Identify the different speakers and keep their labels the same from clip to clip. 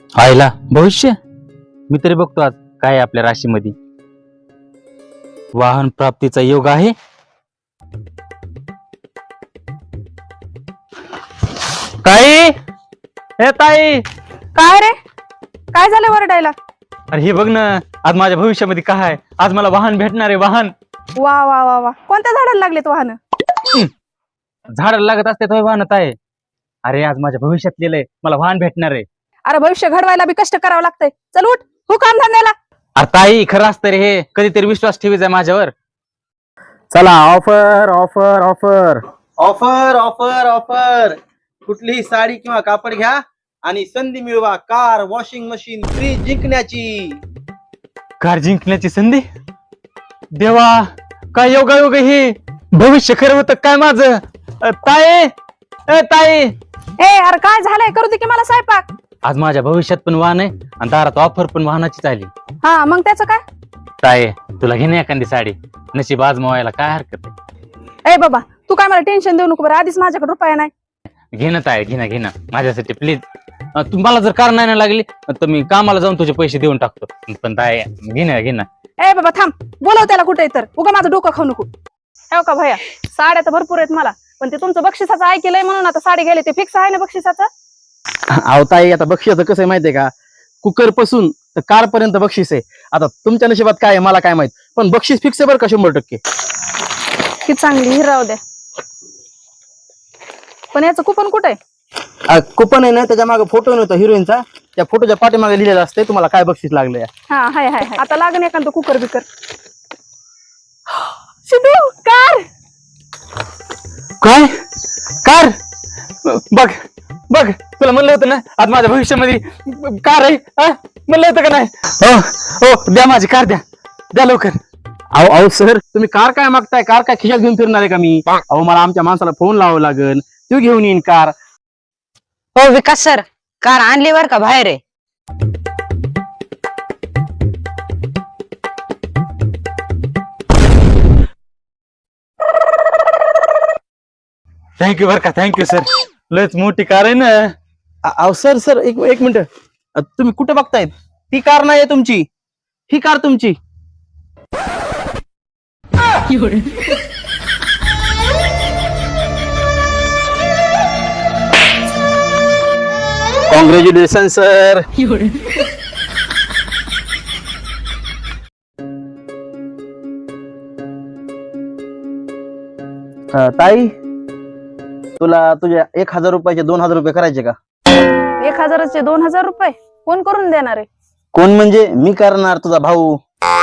Speaker 1: आयला भविष्य मी तरी बघतो आज काय आहे आपल्या राशीमध्ये. वाहन प्राप्तीचा योग आहे. ताई, हे ताई.
Speaker 2: काय रे, काय झालं वरडायला?
Speaker 1: अरे हे बघ ना, आज माझ्या भविष्यामध्ये काय आहे. आज मला वाहन भेटणार आहे. वाहन.
Speaker 2: वा वा वा वा, कोणत्या झाडाला लागलेत वाहन?
Speaker 1: झाडाला लागत असते तो वाहन आहे. अरे आज माझ्या भविष्यात लिहिलंय मला वाहन भेटणार आहे.
Speaker 2: अरे भविष्य घडवायला बी कष्ट करावं लागतंय. चल उठ, हो काम धंद्याला.
Speaker 1: अरे ताई खरं असतं रे हे. कधीतरी विश्वास ठेवायचा माझ्यावर.
Speaker 3: चला offer offer offer
Speaker 4: offer offer offer. कुठलीही साडी किंवा कापड घ्या आणि संधी मिळवा कार, वॉशिंग मशीन, फ्रीज जिंकण्याची.
Speaker 1: कार जिंकण्याची संधी. देवा, काय योगायोग हे. भविष्य खरं होतं काय माझं. ताई, ताई.
Speaker 2: ए अरे काय झालंय, करू दे की मला स्वयंपाक.
Speaker 1: आज माझ्या भविष्यात पण वाहन आहे आणि दारात ऑफर पण वाहनाची आली.
Speaker 2: हा मग त्याचं काय?
Speaker 1: ताई तुला घेणे एखादी साडी. नशीब आजमावायला काय हरकत आहे.
Speaker 2: ए बाबा, तू काय मला टेन्शन देऊ नको बरं. आधीच माझ्याकडे रुपया नाही.
Speaker 1: घेणं ताई, घेणं माझ्यासाठी प्लीज. तुम्हाला जर कार नाही ना लागली तर मी कामाला जाऊन तुझे पैसे देऊन टाकतो. पण ताई घेणं.
Speaker 2: ए बाबा थांब, बोलव त्याला कुठे तर. उगा माझं डोकं खाऊ नको. हो का भैया, साड्या तर भरपूर आहेत मला, पण ते तुमचं बक्षिसाचं ऐकलंय म्हणून आता साडी घ्यायला. ते फिक्स आहे ना बक्षिसाचं?
Speaker 3: आवताई आता बक्षीस कसं आहे माहितीये का, कुकर पासून तर कार पर्यंत बक्षीस आहे. आता तुमच्या नशिबात काय आहे मला काय माहित, पण बक्षीस फिक्स आहे बरं का 100%.
Speaker 2: ही चांगली, ही राहू द्या. पण याचं कुपन कुठे आहे?
Speaker 3: कुपन आहे ना, त्याच्या मागे फोटो नव्हता हिरोईनचा. त्या फोटोच्या पाठीमागे लिहिलेलं असते तुम्हाला काय बक्षीस लागलंय.
Speaker 2: हा हाय हाय हाय. आता लागण एखादं कुकर बिकर. सिद्धू, कार.
Speaker 1: काय कार. बघ तुला म्हणलं होतं ना आज माझ्या भविष्यामध्ये कार आहे. म्हणलं होतं का नाही. हो द्या माझी कार, द्या लवकर.
Speaker 3: अहो सर, तुम्ही कार काय मागताय? कार काय खिशात घेऊन फिरणार आहे का मी? अहो मला आमच्या माणसाला फोन लावावं लागेल, तो घेऊन येईन कार.
Speaker 5: हो विकास सर, कार आणली बर का बाहेर आहे.
Speaker 1: थँक्यू बर का. Thank you sir. लयच मोठी कार आहे ना.
Speaker 3: अहो सर एक मिनिट. तुम्ही कुठे बघतायत? ती कार नाही तुमची, ही कार तुमची. Congratulation sir. ताई, तुला तुझ्या 1000 रुपयाचे 2000 रुपये करायचे का?
Speaker 2: 1000चे 2000 रुपये कोण करून देणार आहे?
Speaker 3: कोण म्हणजे मी करणार, तुझा भाऊ.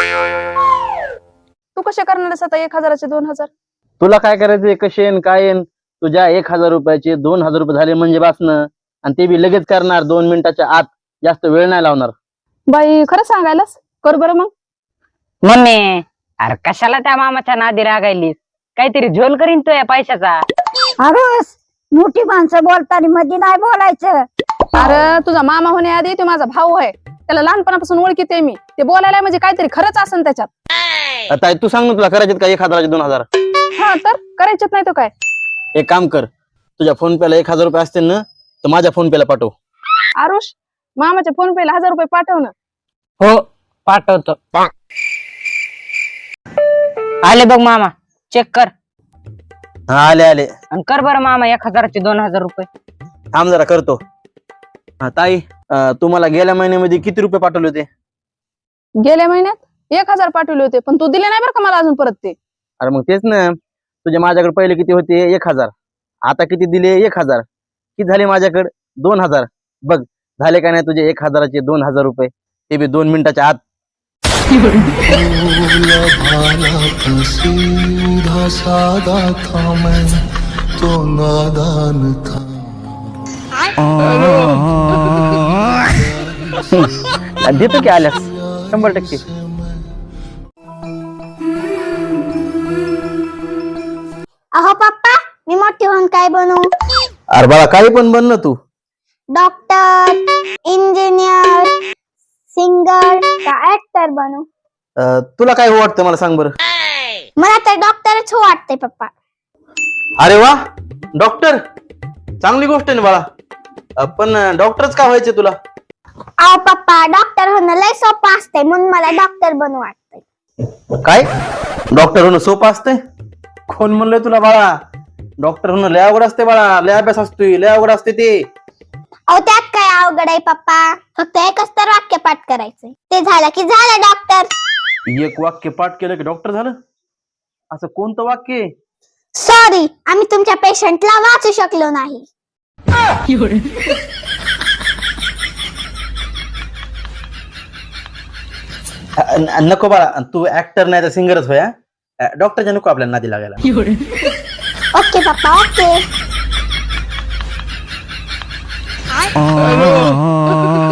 Speaker 2: तू कसे करणार आहेस आता 1000चे 2000?
Speaker 3: तुला काय करायचंय, कशेन काय? तुझ्या 1000 रुपयाचे 2000 रुपये झाले म्हणजे बासनं, आणि ते बी लगेच करणार 2 मिनिटाच्या आत. जास्त वेळ नाही लावणार.
Speaker 2: बाई खरं सांगायलास, कर बरं मग.
Speaker 5: मम्मी, अरे कशाला त्या मामाच्या नादी रागायलीस? काहीतरी झोल करीन तो या पैशाचा.
Speaker 6: अगस, मोठी माणसं बोलताना मध्ये नाही बोलायचं.
Speaker 2: अरे तुझा मामा होण्याआधी तो माझा भाऊ आहे. त्याला लहानपणापासून ओळखीते मी. ते बोलायला म्हणजे काहीतरी खरंच असेल त्याच्यात.
Speaker 3: ताई तू सांग ना, तुला करायचे का 1000चे 2000?
Speaker 2: हा तर करायचेच नाही तो काय.
Speaker 3: एक काम कर, तुझ्या फोन पेला 1000 रुपये असतील ना, तर माझ्या फोन पेला पाठव.
Speaker 2: आरुष, मामाच्या फोन पेला 1000 रुपये पाठव ना.
Speaker 5: हो पाठवतो. आले बघ मामा, चेक कर.
Speaker 3: हा आले
Speaker 5: आणि कर बरं मामा 1000चे 2000 रुपये.
Speaker 3: थांब जरा करतो. हा ताई, तुम्हाला गेल्या महिन्यामध्ये किती रुपये पाठवले होते?
Speaker 2: गेल्या महिन्यात 1000 पाठवले होते, पण तू दिले नाही बरं का मला अजून परत ते.
Speaker 3: अरे मग तेच ना, तुझ्या माझ्याकडे पहिले किती होते? 1000. आता किती दिले? 1000. किती झाले माझ्याकडे? 2000. बघ झाले का नाही तुझे 1000चे 2000 रुपये, ते बी 2 मिनिटाच्या आत.
Speaker 7: सीधा सादा था मैं तो नादान था.
Speaker 3: देतो की आल्यास 100%.
Speaker 6: अहो पप्पा, मी मोठी होऊन काय बनू?
Speaker 3: अरे बाळा काही पण बन ना तू.
Speaker 6: डॉक्टर, इंजिनियर, सिंगर का ऍक्टर बनू?
Speaker 3: तुला काय वाटतं मला सांग बरं.
Speaker 6: मला तर डॉक्टरच हो वाटतंय पप्पा.
Speaker 3: अरे वा, डॉक्टर चांगली गोष्ट आहे ना बाळा. पण डॉक्टरच का व्हायचे तुला?
Speaker 6: अहो पप्पा डॉक्टर होणं लय सोपं असतंय म्हणून मला डॉक्टर बनू वाटतंय.
Speaker 3: काय डॉक्टर होणं सोपं असतंय? कोण म्हणलंय तुला बाळा? डॉक्टर होणं लय अवघड असते बाळा, लय अभ्यास असतोय, लय अवघड असते ते.
Speaker 6: अहो त्यात काय अवघड आहे पप्पा, फक्त एकच तर वाक्य पाठ करायचंय, ते झालं की झालं डॉक्टर.
Speaker 3: एक वाक्य पाठ केलं की डॉक्टर झालं? असं कोणतं वाक्य आहे?
Speaker 6: सॉरी, आम्ही तुमच्या पेशंटला वाचू शकलो नाही.
Speaker 3: नको बाळा, तू ऍक्टर नाही तर सिंगरच होया. डॉक्टरच्या नको आपल्याला नादी लागायला.
Speaker 6: ओके पप्पा ओके.